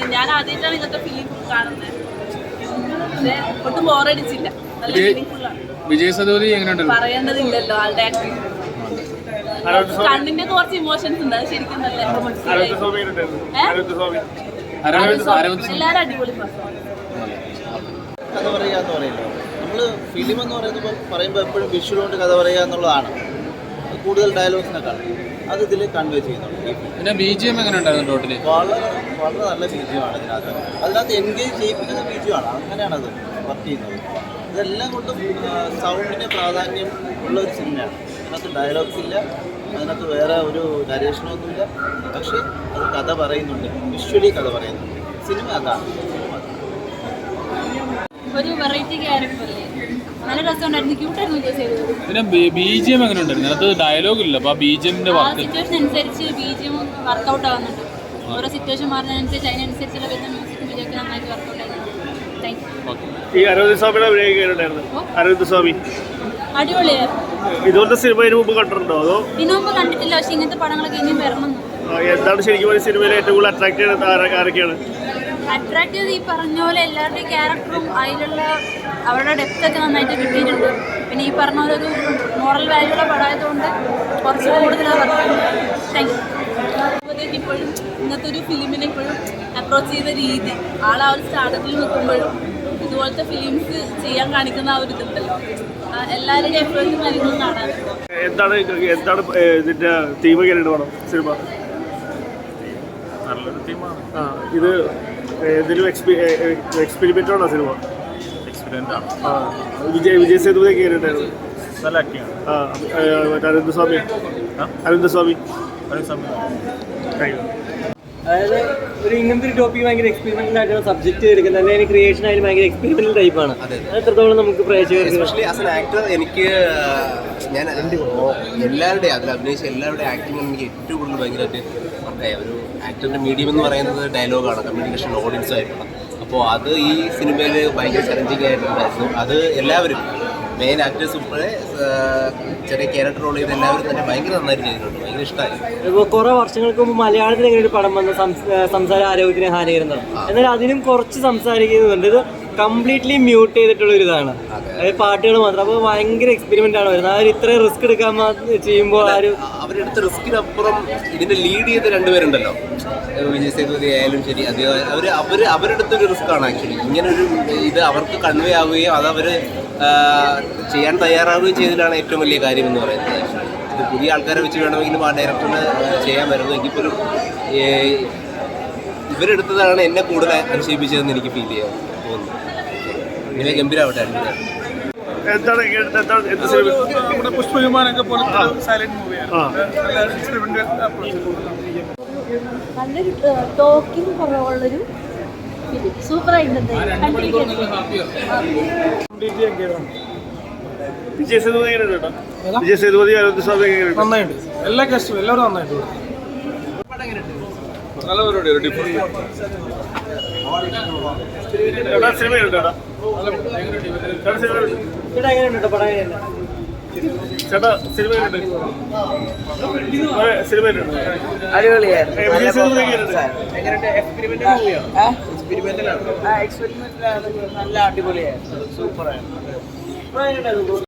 ഞാൻ ആദ്യമായിട്ടാണ് ഇങ്ങനത്തെ ഫിലിം കാണുന്നത്. പക്ഷേ ഒട്ടും ബോറടിച്ചില്ല. നല്ല മീനിങ്ഫുള്ളാണ്. വിജയ് സേതുപതി എങ്ങനെയുണ്ട്? പറയേണ്ടതില്ലല്ലോ ആളുടെ ആക്ടിങ്. കണ്ണിന്റെ കുറച്ച് ഇമോഷൻസ് ഉണ്ട്. അത് ശരിക്കും നല്ല എല്ലാവരും അടിപൊളി കഥ പറയാന്ന് പറയുന്നത് നമ്മള് ഫിലിം എന്ന് പറയുമ്പോൾ എപ്പോഴും വിഷ്വൽ കൊണ്ട് കഥ പറയുക എന്നുള്ളതാണ്. കൂടുതൽ ഡയലോഗ്സിനെക്കാളും അത് ഇതിൽ കൺവേ ചെയ്യുന്നുണ്ട്. പിന്നെ BGM എങ്ങനെ ഉണ്ടായിരുന്നു ടോട്ടലി? വളരെ വളരെ നല്ല BGM ആണ് അതിനകത്ത് എൻഗേജ് ചെയ്യിപ്പിക്കുന്ന BGM ആണ്. അങ്ങനെയാണ് അത് വർക്ക് ചെയ്യുന്നത്. ഇതെല്ലാം കൊണ്ടും സൗണ്ടിന് പ്രാധാന്യം ഉള്ള ഒരു സിനിമയാണ്. അതിനകത്ത് ഡയലോഗ്സ് ഇല്ല, അതിനകത്ത് വേറെ ഒരു നരേഷനൊന്നുമില്ല. പക്ഷേ അത് കഥ പറയുന്നുണ്ട്, വിഷ്വലി കഥ പറയുന്നുണ്ട്. സിനിമ അതാണ്. ഒരു വെറൈറ്റി ക്യാരക്ടർ അല്ലേ, നല്ല രസമുണ്ടായിരുന്നു. ക്യൂട്ടായിരുന്നു വിജയ് സേതുപതി. പിന്നെ BGM എങ്ങനെ ഉണ്ടായിരുന്നു? അത് ഡയലോഗ് ഇല്ല, അപ്പോൾ BGMന്റെ സിറ്റുവേഷൻ അനുസരിച്ച് BGM വർക്കൗട്ട് ആവുന്നുണ്ട്. ഓരോ സിറ്റുവേഷൻ മാറുന്നതിനനുസരിച്ച് അതിനനുസരിച്ചുള്ള വരുന്ന മ്യൂസിക് വിജയ്ക്ക് നന്നായിട്ട് വർക്കൗട്ട് ആയിരുന്നു. Thank you. ഈ അരവിന്ദ് സ്വാമിയുടെ അരവിന്ദ് സ്വാമി അടിപൊളിയായിരുന്നു. ഇതുപോലത്തെ സിനിമ ഇതിനു മുമ്പ് കണ്ടിട്ടുണ്ടോ? അതോ ഇതിനു മുമ്പ് കണ്ടിട്ടില്ല, പക്ഷെ ഇങ്ങനത്തെ പടങ്ങളൊക്കെ ഇനിയും വരണം. എന്താണ് ശരിക്കും ഒരു സിനിമയിൽ ഏറ്റവും കൂടുതൽ അട്രാക്ട് ചെയ്യുന്നത്? ആരൊക്കെയാണ് അട്രാക്ട് ചെയ്ത്? ഈ പറഞ്ഞ പോലെ എല്ലാവരുടെയും ക്യാരക്ടറും അതിലുള്ള അവരുടെ ഡെപ്ത് ഒക്കെ നന്നായിട്ട് കിട്ടിയിട്ടുണ്ട്. പിന്നെ ഈ പറഞ്ഞ പോലെ ഒരു മോറൽ വാല്യൂള്ള പടമായതുകൊണ്ട് കുറച്ച് കൂടുതൽ താങ്ക് യു. ഇപ്പോഴും ഇന്നത്തെ ഒരു ഫിലിമിനെ ഇപ്പോഴും അപ്രോച്ച് ചെയ്ത രീതി, ആ ഒരു സ്റ്റാർട്ടപ്പിൽ നിൽക്കുമ്പോഴും ഇതുപോലത്തെ ഫിലിംസ് ചെയ്യാൻ കാണിക്കുന്ന ആ ഒരു ഇതുണ്ടല്ലോ, എല്ലാവരുടെയും എഫേർട്ടും കാര്യങ്ങളും കാണാറുണ്ട്. എന്താണ് ഇതിന്റെ തീം എങ്ങനെയുണ്ട് പടം സിനിമ? നല്ലൊരു തീമാണ്. ഇത് എന്തെങ്കിലും എക്സ്പെരിമെന്റ് ആണോ സിനിമ? എക്സ്പീരിയൻസ് ആണ്. വിജയ് സേതുപതി എങ്ങനെയുണ്ടായിരുന്നു? നല്ല ആക്ടിങ് ആണ്. അരവിന്ദ് സ്വാമി അതായത് ഒരു ഇങ്ങനത്തെ ഒരു ടോപ്പിക് ഭയങ്കര എക്സ്പെരിമെന്റൽ ആയിട്ടുള്ള സബ്ജക്ട് എടുക്കുന്നത്, അല്ലെങ്കിൽ ക്രിയേഷൻ ആയാലും ഭയങ്കര എക്സ്പെരിമെന്റൽ ടൈപ്പാണ്. എത്രത്തോളം നമുക്ക് പ്രേക്ഷകർക്ക് എസ്പെഷ്യലി ആസ് എൻ ആക്ടർ എനിക്ക് ഞാൻ എല്ലാവരുടെയും അതിൽ അഭിനയിച്ച എല്ലാവരുടെയും ആക്ടിങ് എനിക്ക് ഏറ്റവും കൂടുതൽ ഭയങ്കരമായിട്ട് വർക്കായ ഒരു ആക്ടറിൻ്റെ മീഡിയം എന്ന് പറയുന്നത് ഡയലോഗാണ്, കമ്മ്യൂണിക്കേഷൻ ഓഡിയൻസുമായിട്ടുള്ള. അപ്പോൾ അത് ഈ സിനിമയിൽ ഭയങ്കര ചലഞ്ചിങ് ആയിട്ടുണ്ടായിരുന്നു. അത് എല്ലാവരും മെയിൻ ആക്ടേഴ്സ് ഉൾപ്പെടെ ചെറിയ ക്യാരക്ടർ റോൾ ചെയ്ത് എല്ലാവരും തന്നെ ഭയങ്കര നന്നായിട്ട് ചെയ്തിട്ടുണ്ട്. ഭയങ്കര ഇഷ്ടമായി. ഇപ്പോൾ കുറേ വർഷങ്ങൾക്ക് മുമ്പ് മലയാളത്തിൽ ഇങ്ങനെ ഒരു പടം വന്ന സംസാര ആരോഗ്യത്തിന് ഹാനികരമാണ്. എന്നാൽ അതിനും കുറച്ച് സംസാരിക്കുന്നുണ്ട്. ഇത് കംപ്ലീറ്റ്ലി മ്യൂട്ട് ചെയ്തിട്ടുള്ള ഒരു ഇതാണ്, അതായത് പാട്ടുകൾ മാത്രം. അപ്പോൾ ഭയങ്കര എക്സ്പെരിമെന്റ് ആണ് വരുന്നത്. അവർ ഇത്രയും റിസ്ക് എടുക്കാൻ ചെയ്യുമ്പോൾ അവരെടുത്ത റിസ്കിനപ്പുറം ഇതിനെ ലീഡ് ചെയ്ത് രണ്ടുപേരുണ്ടല്ലോ, വിജയ് സേതുപതി ആയാലും ശരി, അവരെടുത്തൊരു റിസ്ക് ആണ് ആക്ച്വലി. ഇങ്ങനൊരു ഇത് അവർക്ക് കൺവേ ആവുകയും അതവർ ചെയ്യാൻ തയ്യാറാവുകയും ചെയ്തതിലാണ് ഏറ്റവും വലിയ കാര്യം എന്ന് പറയുന്നത്. ഇത് പുതിയ ആൾക്കാരെ വെച്ച് വേണമെങ്കിലും ആ ഡയറക്ടറിന് ചെയ്യാൻ വരുന്നത്. എങ്കിൽ പോലും ഇവരെടുത്തതാണ് എന്നെ കൂടുതൽ അതിശയിപ്പിച്ചതെന്ന് എനിക്ക് ഫീൽ ചെയ്യാൻ തോന്നുന്നു. ഇങ്ങനെ ഗംഭീരമാവട്ടെ. നമ്മുടെ പുഷ്പവിമാനൊക്കെ പോലത്തെ സൈലന്റ് മൂവിയാണ്. നല്ലൊരു ടോക്കിംഗ് കുറവുള്ളൊരു ഫിലിം, സൂപ്പറായിട്ടുണ്ട്. വിജയ് സേതുപതി എങ്ങനെയുണ്ട്? വിജയ് സേതുപതി അരവിന്ദ് സ്വാമി എങ്ങനെയുണ്ട്? നന്നായിട്ട് എല്ലാ കാസ്റ്റും എല്ലാവരും നന്നായിട്ട്. നല്ല പരിപാടി. ഒരു ഡിഫറൻറ്റ് സിനിമ എങ്ങനെയുണ്ട്? എങ്ങനെയുണ്ട് പടം? ചേട്ടാ സിനിമ എങ്ങനെയുണ്ട്? സിനിമ എങ്ങനെയുണ്ട്? അടിപൊളിയായിരുന്നു. വിജയ് സേതുപതി എങ്ങനെയുണ്ട്? നല്ല അടിപൊളിയായിരുന്നു. സൂപ്പറായിരുന്നു.